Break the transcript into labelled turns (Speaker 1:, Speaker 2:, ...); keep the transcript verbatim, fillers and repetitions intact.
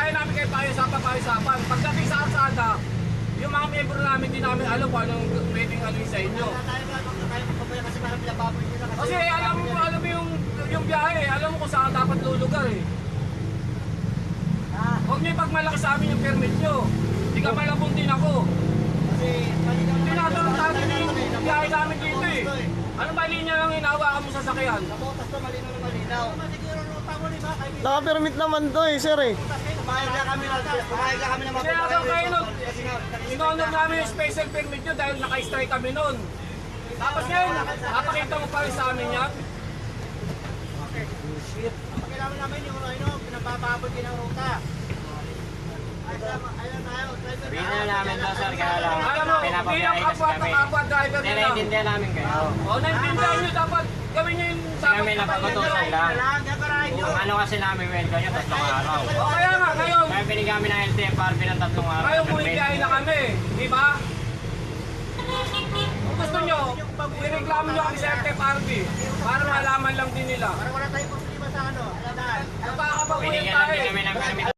Speaker 1: kaya namin kayo pakiusapan, pakiusapan. Pagdating sa arsada, yung mga miyembro namin, di namin alam kung anong pwedeng ano sa inyo. Kasi alam mo, alam mo yung, yung biyahe, alam mo kung saan dapat lulugar eh. Huwag niyo ipagmalaki sa amin yung permit nyo. Hindi ka malabong din ako. Tinatanong natin yung biyahe namin dito eh. Ano ba linya lang hinawakan mo sa sakyan?
Speaker 2: Nabotas to, malinaw na malinaw.
Speaker 3: Naka-permit naman to eh, sir eh.
Speaker 2: Pumayag na kami na, pumayag na kami na
Speaker 1: Kaya
Speaker 2: mapapagawa.
Speaker 1: ako kayo nun, inonor namin yung special permit nyo dahil naka-strike kami nun. Tapos ngayon, napakita mo pa rin sa amin yan.
Speaker 2: Ang kailangan namin yung ano, pinapapabot din ang ruta. Ayun tayo,
Speaker 4: Sabihin na namin to, sir, kaya lang
Speaker 1: Alam mo, bilang
Speaker 4: pinapabiyahe kasi
Speaker 1: kapwa
Speaker 4: kami.
Speaker 1: kapwa driver nila.
Speaker 4: Naiintindihan namin kayo.
Speaker 1: O, naintindihan nyo dapat gawin nyo yung dapat
Speaker 4: Kami napapatusan lang. Ang ano kasi namin welcome nyo, tatlong araw.
Speaker 1: O kaya nga, ngayon,
Speaker 4: Kaya binigyan kami ng L T F R B ng tatlong araw.
Speaker 1: ngayon bumibiyahe na kami, di ba? Kung gusto nyo, ireklamo nyo kami sa L T F R B para malaman lang din nila.
Speaker 2: Para wala tayong problema sa ano.
Speaker 1: Nagkakabaguhin
Speaker 4: Binigyan
Speaker 1: tayo
Speaker 4: lang din
Speaker 1: eh.
Speaker 4: kami ng permit